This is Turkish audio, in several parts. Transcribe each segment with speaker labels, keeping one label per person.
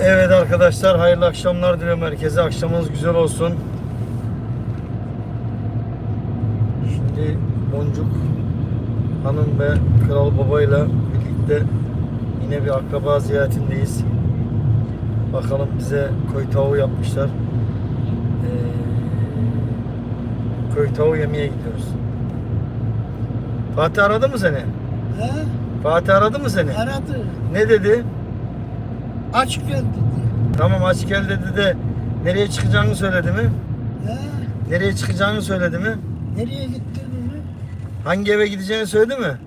Speaker 1: Evet arkadaşlar, hayırlı akşamlar diliyorum herkese. Akşamınız güzel olsun. Şimdi Boncuk Hanım ve Kral Baba ile birlikte yine bir akraba ziyaretindeyiz. Bakalım, bize köy tavuğu yapmışlar. Köy tavuğu yemeye gidiyoruz. Fatih aradı mı seni?
Speaker 2: He?
Speaker 1: Fatih aradı mı seni?
Speaker 2: Aradı.
Speaker 1: Ne dedi?
Speaker 2: Aç gel dedi.
Speaker 1: Tamam, aç gel dedi de nereye çıkacağını söyledi mi?
Speaker 2: He?
Speaker 1: Nereye çıkacağını söyledi mi?
Speaker 2: Nereye gittiğini?
Speaker 1: Hangi eve gideceğini söyledi mi?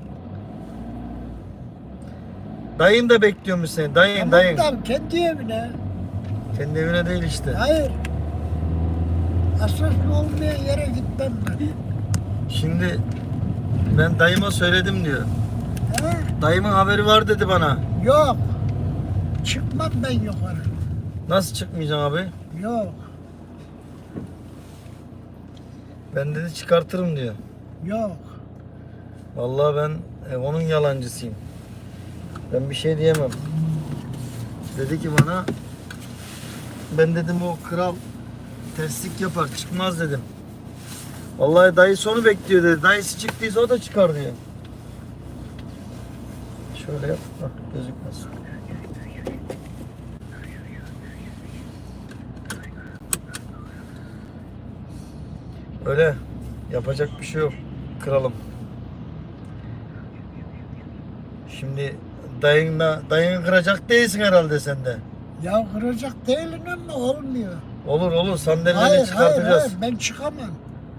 Speaker 1: Dayın da bekliyormuş seni. Dayın.
Speaker 2: Tamam, kendi evine.
Speaker 1: Kendi evine değil işte.
Speaker 2: Hayır. Asaslı olmayan yere gitmem ben.
Speaker 1: Şimdi ben dayıma söyledim diyor.
Speaker 2: He?
Speaker 1: Dayımın haberi var dedi bana.
Speaker 2: Yok. Çıkmam ben yukarı.
Speaker 1: Nasıl çıkmayacaksın abi?
Speaker 2: Yok.
Speaker 1: Ben dedi çıkartırım diyor.
Speaker 2: Yok.
Speaker 1: Vallahi ben onun yalancısıyım. Ben bir şey diyemem. Dedi ki bana, ben dedim o kral terslik yapar, çıkmaz dedim. Vallahi dayısı onu bekliyor dedi. Dayısı çıktıysa o da çıkar diyor. Şöyle yap. Bak, gözükmez. Öyle. Yapacak bir şey yok kralım. Şimdi dayını kıracak değilsin herhalde sen de.
Speaker 2: Ya kıracak değilim ama olmuyor.
Speaker 1: Olur sandalyeleri
Speaker 2: Hayır,
Speaker 1: çıkartacağız.
Speaker 2: ben çıkamam.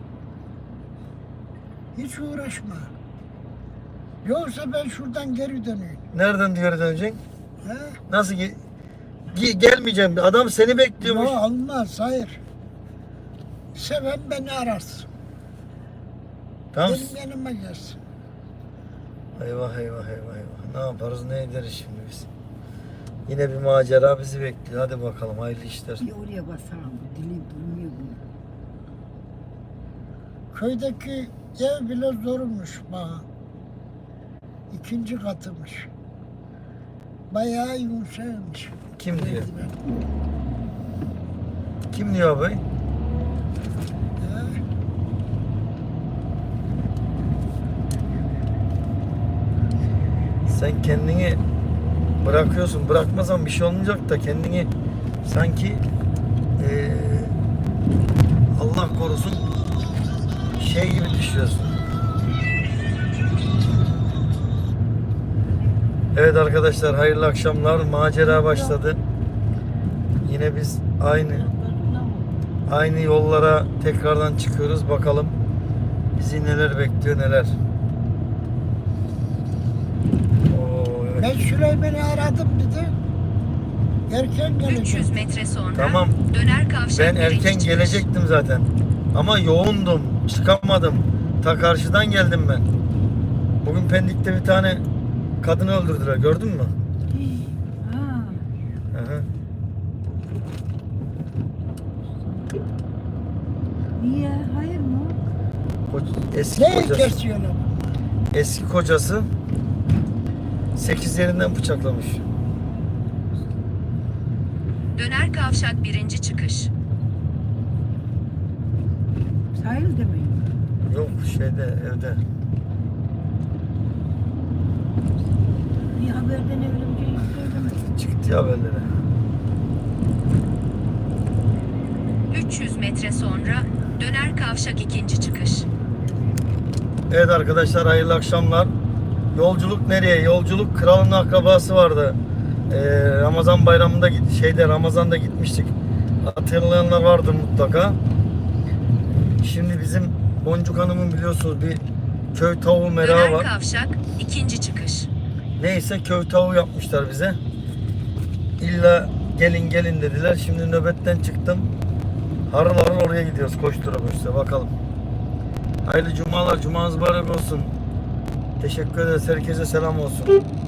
Speaker 2: Hiç uğraşma. Yoksa ben şuradan geri döneyim.
Speaker 1: Nereden geri döneceksin?
Speaker 2: He?
Speaker 1: Nasıl gelmeyeceğim. Adam seni bekliyormuş.
Speaker 2: Yok, olmaz, hayır. Seven beni ararsın.
Speaker 1: Tamam.
Speaker 2: Benim yanıma gelsin.
Speaker 1: Eyvah. Ne yaparız, ne ederiz şimdi biz? Yine bir macera bizi bekliyor. Hadi bakalım, hayırlı işler.
Speaker 3: Bir oraya basalım. Dili durmuyor bu.
Speaker 2: Köydeki ev bile zormuş bana. 2. katıymış. Bayağı yumuşaymış.
Speaker 1: Kim diyor?
Speaker 2: Merdiven.
Speaker 1: Kim diyor abi?
Speaker 2: He?
Speaker 1: Sen kendini bırakıyorsun. Bırakmasan bir şey olmayacak da kendini sanki Allah korusun şey gibi düşüyorsun. Evet arkadaşlar, hayırlı akşamlar. Macera başladı. Yine biz aynı yollara tekrardan çıkıyoruz. Bakalım bizi neler bekliyor, neler. Evet.
Speaker 2: Ben Süleyman'ı aradım dedi. Erken
Speaker 4: 300
Speaker 2: gelecek.
Speaker 4: metre sonra
Speaker 1: Tamam.
Speaker 4: döner kavşak
Speaker 1: Ben
Speaker 4: birinci
Speaker 1: erken
Speaker 4: çıkış.
Speaker 1: gelecektim zaten. Ama yoğundum. Çıkamadım. Ta karşıdan geldim ben. Bugün Pendik'te bir tane kadını öldürdüler. Gördün mü?
Speaker 3: Ha.
Speaker 1: Hı hı.
Speaker 3: Niye? Hayır mı?
Speaker 1: Eski
Speaker 2: Ne
Speaker 1: kocası.
Speaker 2: kesiyorlar?
Speaker 1: Eski kocası 8 yerinden bıçaklamış.
Speaker 4: Döner kavşak birinci çıkış.
Speaker 3: Sahilde mi?
Speaker 1: Yok, şeyde, evde.
Speaker 3: Bir haberden evlence yükledim.
Speaker 1: Çıktı haberlere.
Speaker 4: 300 metre sonra döner kavşak ikinci çıkış.
Speaker 1: Evet arkadaşlar, hayırlı akşamlar. Yolculuk nereye? Yolculuk, kralın akrabası vardı. Ramazan bayramında Ramazan'da gitmiştik. Hatırlayanlar vardır mutlaka. Şimdi bizim Boncuk Hanım'ın biliyorsunuz bir köy tavuğu merağı
Speaker 4: Döner
Speaker 1: var.
Speaker 4: kavşak ikinci çıkış.
Speaker 1: Neyse, köy tavuğu yapmışlar bize. İlla gelin dediler. Şimdi nöbetten çıktım. Harıl harıl oraya gidiyoruz. Koştura bakalım. Hayırlı cumalar. Cumanız mübarek olsun. Teşekkür ederiz. Herkese selam olsun.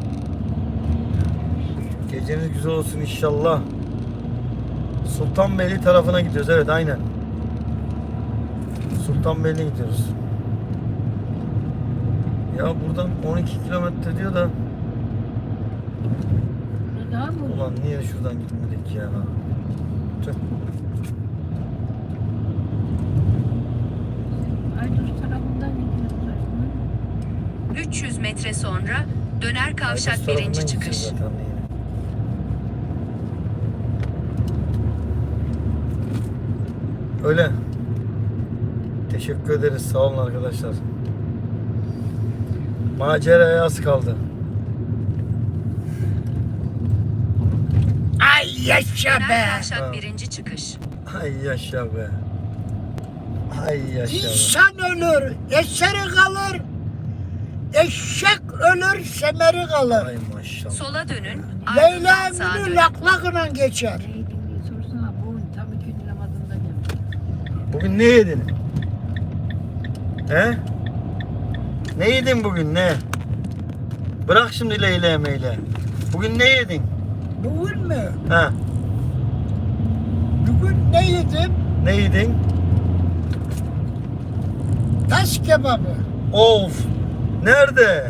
Speaker 1: Geceniz güzel olsun inşallah. Sultanbeyli tarafına gidiyoruz. Evet, aynen. Sultanbeyli'ne gidiyoruz. Ya buradan 12 kilometre diyor da
Speaker 3: Daha mı?
Speaker 1: Ulan niye şuradan gitmedik ya? Tüh.
Speaker 3: Aydın tarafından gidiyorlar.
Speaker 4: 300 metre sonra döner kavşak
Speaker 1: Aydız
Speaker 4: birinci
Speaker 1: tarafından
Speaker 4: çıkış.
Speaker 1: gideceğiz zaten yine. Öyle. Teşekkür ederiz. Sağ olun arkadaşlar. Maceraya az kaldı.
Speaker 2: Ay yaşa
Speaker 4: Döner
Speaker 2: be.
Speaker 4: kavşak
Speaker 1: Ha.
Speaker 4: birinci çıkış.
Speaker 1: Ay yaşa be. Ay yaşa be.
Speaker 2: İnsan ölür, eseri kalır. Eşek ölür, semeri kalır.
Speaker 1: Ay maşallah.
Speaker 4: Sola dönün.
Speaker 2: Leyla
Speaker 4: Ardından sağa
Speaker 2: Emine
Speaker 4: dönün.
Speaker 2: laklakla geçer.
Speaker 3: Neydin diye sorsana. Bugün tam 2. namazında geldi.
Speaker 1: Bugün ne yedin? He? Ne yedin bugün ne? Bırak şimdi Leyla meyle. Bugün ne yedin?
Speaker 2: Bugün mü?
Speaker 1: Ha?
Speaker 2: Bugün ne yedim?
Speaker 1: Ne yedin?
Speaker 2: Tas kebabı.
Speaker 1: Of! Nerede?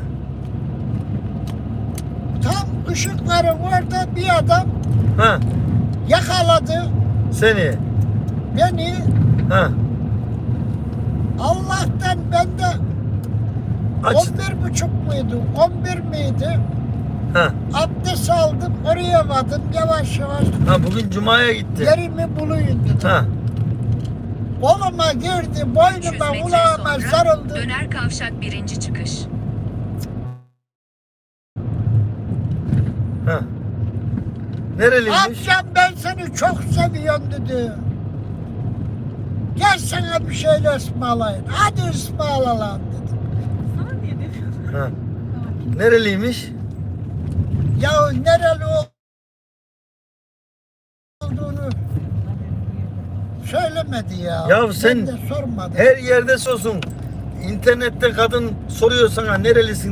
Speaker 2: Tam ışıkların orada bir adam
Speaker 1: Ha?
Speaker 2: yakaladı
Speaker 1: Seni?
Speaker 2: beni.
Speaker 1: Ha?
Speaker 2: Allah'tan ben de
Speaker 1: Aç.
Speaker 2: 11.30 muydu? 11 miydi?
Speaker 1: Ha?
Speaker 2: Abdest aldım, oraya vardım yavaş yavaş.
Speaker 1: Ha bugün Cuma'ya gitti.
Speaker 2: Yerimi buluyun dedim.
Speaker 1: Ha?
Speaker 2: Koluma girdi,
Speaker 4: 300
Speaker 2: boynuma,
Speaker 4: metre
Speaker 2: kulağıma
Speaker 4: sonra
Speaker 2: sarıldı.
Speaker 4: döner kavşak birinci çıkış.
Speaker 1: Ha? Nereliymiş?
Speaker 2: Amcam ben seni çok seviyorum dedi. Gel sana bir şeyler ısmarlayın. Hadi ısmarla lan dedi.
Speaker 3: Sana diye dedi.
Speaker 1: Ha? Nereliymiş?
Speaker 2: Ya nereli olduğunu söylemedi ya.
Speaker 1: Ya sen
Speaker 2: Ben de sormadım.
Speaker 1: Her yerde sorsun. İnternette kadın soruyor sana nerelisin